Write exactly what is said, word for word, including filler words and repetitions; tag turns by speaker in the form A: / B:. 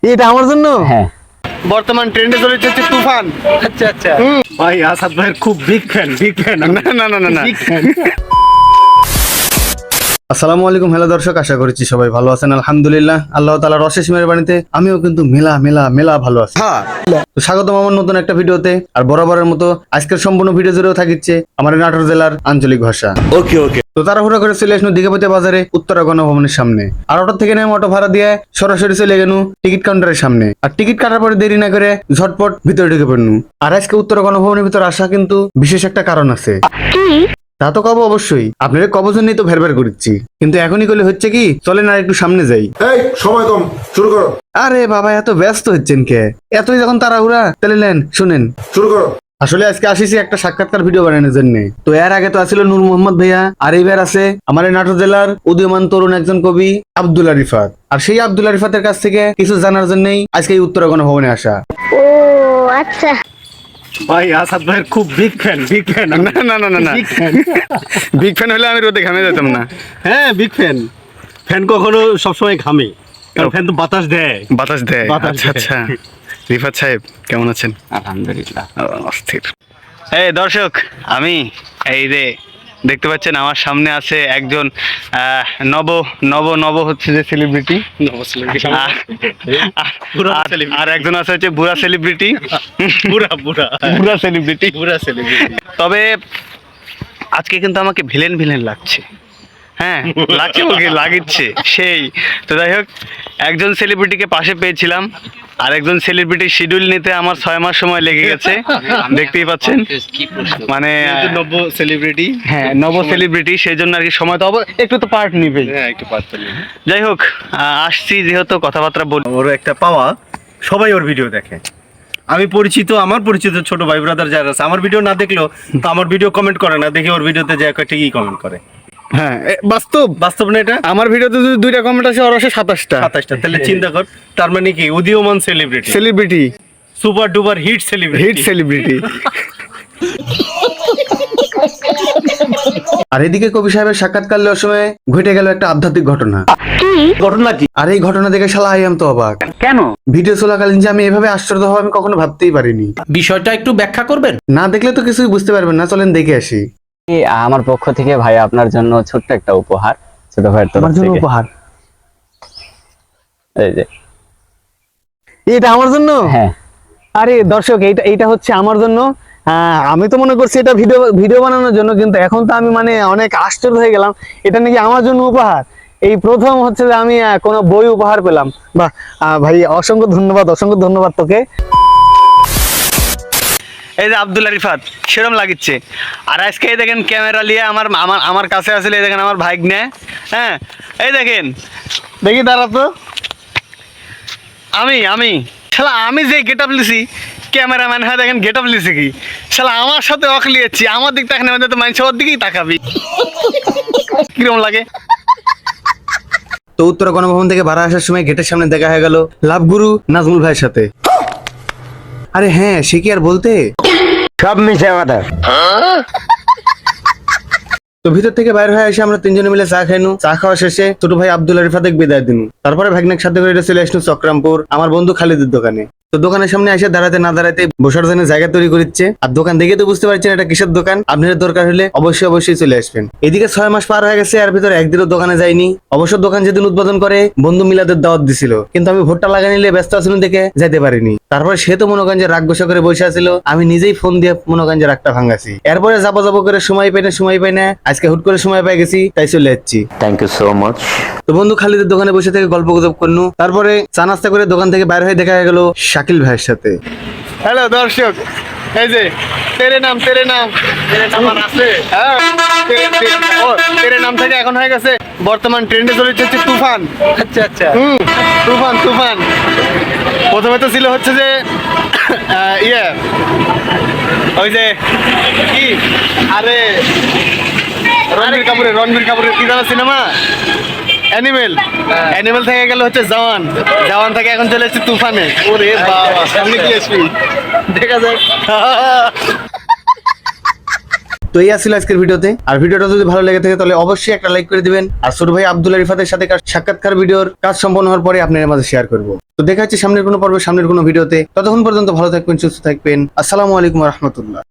A: এটা আমার জন্য।
B: হ্যাঁ,
A: বর্তমান ট্রেন্ডে চলেছে হচ্ছে তুফান।
B: আচ্ছা আচ্ছা
A: ভাই আসাদ ভাইয়ের খুব বিগ ফ্যান, বিগ ফ্যান। না না না না না
B: বিগ ফ্যান।
A: আসসালামু আলাইকুম, হ্যালো দর্শক, আশা করছি সবাই ভালো আছেন। আলহামদুলিল্লাহ, আল্লাহ তাআলার অশেষ মেহেরবানিতে আমিও কিন্তু মেলা মেলা মেলা ভালো আছি। তো স্বাগতম আমার নতুন একটা ভিডিওতে। আর বরাবরের মতো আজকের সম্পূর্ণ ভিডিও জুড়েও থাকিচ্ছে আমার নাটোর জেলার আঞ্চলিক ভাষা। ওকে ওকে তো তাড়াহুড়া করে চলে আসলো দীঘাপতি বাজারে উত্তরা গণভবনের সামনে। আর অটো থেকে নেমে অটো ভাড়া দিয়ে সরাসরি চলে গেল টিকিট কাউন্টারের সামনে। আর টিকিট কাটার পরে দেরি না করে ঝটপট ভিতরে ঢুকে পড়নু। আর আজকে উত্তরা গণভবনের ভিতর আসা কিন্তু বিশেষ একটা কারণ আছে। তা তো কব অবশ্যই, আপনাদের কবর জন্যই তো ভেরভের করছি। কিন্তু এখনই করলে হচ্ছে কি, চলেন আর একটু সামনে যাই।
C: এই সময় কম, শুরু করো
A: আরে বাবা, এত ব্যস্ত হচ্ছেন কে? এতই যখন তাড়াহুড়া, তাহলে নেন শুনেন।
C: শুরু করো।
A: আসলে আজকে আসিছি একটা সাক্ষাৎকার ভিডিও বানানোর জন্য। তো এর আগে তো আছিল নূর মোহাম্মদ ভাইয়া, আর এইবার আছে আমার এই নাটোর জেলার উদীয়মান তরুণ একজন কবি আব্দুল্লাহ রিফাত। আর সেই আব্দুল্লাহ রিফাতের কাছ থেকে কিছু জানার জন্যই আজকে এই উত্তরা গণভবনে আসা।
D: ও আচ্ছা।
A: ভাই আসাদ ভাইয়ের খুব বিগ ফ্যান, বিগ ফ্যান। না না না না না
B: বিগ ফ্যান।
A: বিগ ফ্যান হলে আমি রোদে ঘামে যেতাম না।
B: হ্যাঁ, বিগ ফ্যান। ফ্যান কখনো সবসময় ঘামে, কারণ ফ্যান তো বাতাস দেয়।
A: বাতাস দেয়।
B: বাতাস
A: আচ্ছা আচ্ছা। রিফাত সাহেব কেমন আছেন?
B: আলহামদুলিল্লাহ।
A: অস্থির। এই দর্শক, আমি এই যে দেখতে পাচ্ছেন আমার সামনে আছে একজন আহ, নব নব নব হচ্ছে যে সেলিব্রিটি, আর একজন আছে হচ্ছে বুড়া সেলিব্রিটি।
B: বুড়া বুড়া
A: বুড়া সেলিব্রিটি।
B: বুড়া সেলিব্রিটি।
A: তবে আজকে কিন্তু আমাকে ভিলেন ভিলেন লাগছে। হ্যাঁ লাগছে, ওকে লাগিচ্ছে সেই। তো যাই হোক, একজন সেলিব্রিটিকে পাশে পেয়েছিলাম, আর একজন সেলিব্রিটির শিডিউল নিতে আমার ছয় মাস সময় লেগে গেছে। দেখতেই পাচ্ছেন, মানে
B: নব্য সেলিব্রিটি।
A: হ্যাঁ নব সেলিব্রিটি, সেই জন্য আর কি সময় তো অব- একটু তো পার্ট নিবেই।
B: হ্যাঁ, একটু পারতেন।
A: যাই হোক, আহ, আসছি যেহেতু কথাবার্তা বল।
B: ওর একটা পাওয়া, সবাই ওর ভিডিও দেখে। আমি পরিচিত, আমার পরিচিত ছোট ভাই ব্রাদার যারা আছে, আমার ভিডিও না দেখলেও তো আমার ভিডিও কমেন্ট করে না, দেখে ওর ভিডিওতে যে একটা ঠিকই কমেন্ট করে।
A: হ্যাঁ এ, বাস্তব
B: বাস্তব না এটা?
A: আমার ভিডিওতে যদি দুইটা কমেন্ট আসে, ওর আসে সাতাশটা।
B: সাতাশটা। তাহলে চিন্তা কর, তার মানে কি উদীয়মান celebrity,
A: celebrity,
B: super duper hit celebrity.
A: Hit celebrity. আর এদিকে কবি সাহেবের সাক্ষাৎকার নেওয়ার সময় ঘটে গেল একটা আধ্যাত্মিক ঘটনা।
B: ঘটনা কি?
A: আর এই ঘটনা দেখে শালা আই এম তো অবাক।
E: কেন?
A: ভিডিও চলাকালীন যে আমি এভাবে আশ্চর্য হব আমি কখনো ভাবতেই পারিনি।
E: বিষয়টা একটু ব্যাখ্যা করবেন?
A: না দেখলে তো কিছুই বুঝতে পারবেন না, চলেন দেখে আসি।
F: আমার পক্ষ থেকে ভাই আপনার জন্য ছোট্ট একটা উপহার, ছোট ভাইয়ের তরফ
A: আমার জন্য
F: থেকে।
A: উপহার?
F: এই যে।
A: এটা আমার জন্য?
F: হ্যাঁ,
A: আরে দর্শক, এইটা এইটা হচ্ছে আমার জন্য। হ্যাঁ, আমি তো মনে করছি এটা ভিডিও ভিডিও বানানোর জন্য, কিন্তু এখন তো আমি মানে অনেক আশ্চর্য হয়ে গেলাম। এটা নাকি আমার জন্য উপহার। এই প্রথম হচ্ছে যে আমি আহ, কোনো বই উপহার পেলাম। বাহ আহ, ভাই অসংখ্য ধন্যবাদ, অসংখ্য ধন্যবাদ তোকে। এই যে আব্দুল্লাহ রিফাত সেরকম লাগিচ্ছে। আর আজকে এই দেখেন ক্যামেরা নিয়ে আমার আমার আমার কাছে আসলে এই দেখেন আমার ভাগ্নে। হ্যাঁ এই দেখেন, দেখি দাঁড়া তো। আমি আমি শালা আমি যে গেট আপ লিছি, ক্যামেরাম্যান হয় দেখেন গেট আপ লিছি কি শালা আমার সাথে অখ লিয়েছি। আমার দিক তাকানে আমাদের তো মানুষ ওর দিকেই তাকাবি। কিরকম লাগে? তো উত্তরা গণভবন থেকে ভাড়া আসার সময় গেটের সামনে দেখা হয়ে গেল লাভগুরু নাজমুল ভাইয়ের সাথে। আরে হ্যাঁ, সে কি আর বলতে,
E: সব মিশে কথা।
A: তো ভিতর থেকে বাইরে হয়ে এসে আমরা তিনজনে মিলে চা খাইনু। চা খাওয়া শেষে ছোট ভাই আব্দুল্লাহ রিফাতেক বিদায় দিনু। তারপরে ভাগ্নেক সাথে করে চলে আসনু চক্রামপুর আমার বন্ধু খালিদের দোকানে। তো দোকানের সামনে এসে দাঁড়াতে না দাঁড়াতে বসার জন্য জায়গা তৈরি করছে। আর দোকান দেখে তো বুঝতে পারছেন এটা কিসের দোকান। আপনাদের দরকার হলে অবশ্যই অবশ্যই চলে আসবেন। এদিকে ছয় মাস পার হয়ে গেছে, আর ভিতরে একদিনও দোকানে যাইনি। অবশ্য দোকান যেদিন উদ্বোধন করে বন্ধু মিলাদের দাওয়াত দিছিল, কিন্তু আমি ভোটটা লাগা নিলে ব্যস্ত আছিলাম দেখে যাইতে পারিনি। তারপরে সে তো মনে করেন যে রাগ গোসা করে বসে আছিল, আমি নিজেই ফোন দিয়ে মনে করেন যে রাগটা ভাঙাছি। এরপরে যাবো যাবো করে সময় পাই না সময় পাই না আজকে হুট করে সময় পাই গেছি, তাই চলে যাচ্ছি।
E: Thank you so much.
A: তো বন্ধু খালিদের দোকানে বসে থেকে গল্প গুজব করনু। তারপরে চা নাস্তা করে দোকান থেকে বাইরে হয়ে দেখা গেল শাকিল ভাইয়ের সাথে। হ্যালো দর্শক, এই যে তেরে নাম তেরে নাম তেরে নাম আছে। হ্যাঁ, তেরে- তেরে- ও, তেরে নাম থেকে এখন হয়ে গেছে বর্তমান ট্রেন্ডে চলেছে হচ্ছে তুফান।
B: আচ্ছা আচ্ছা।
A: হুম, তুফান তুফান। প্রথমে তো ছিল হচ্ছে যে আহ, ইয়ে ওই যে কি, আরে রণবীর কাপুরের রণবীর কাপুরের কি জানা সিনেমা অ্যানিমেল। অ্যানিমেল থেকে গেল হচ্ছে জওয়ান, জওয়ান থেকে এখন চলে এসেছে তুফানে। ওরে বাবা, সামনে কি আসবি দেখা যাক। তো এই আসলে আজকের ভিডিওতে। আর ভিডিওটা যদি ভালো লেগে থাকে তাহলে অবশ্যই একটা লাইক করে দিবেন। আর ছোট ভাই আব্দুল্লাহ রিফাতের সাথে কার- সাক্ষাৎকার ভিডিওর কাজ সম্পন্ন হওয়ার পরে আপনাদের মাঝে শেয়ার করবো। তো দেখা হচ্ছে সামনের কোনো পর্বে, সামনের কোনো ভিডিওতে। ততক্ষণ পর্যন্ত ভালো থাকবেন, সুস্থ থাকবেন। আসসালামু আলাইকুম রহমতুল্লাহ।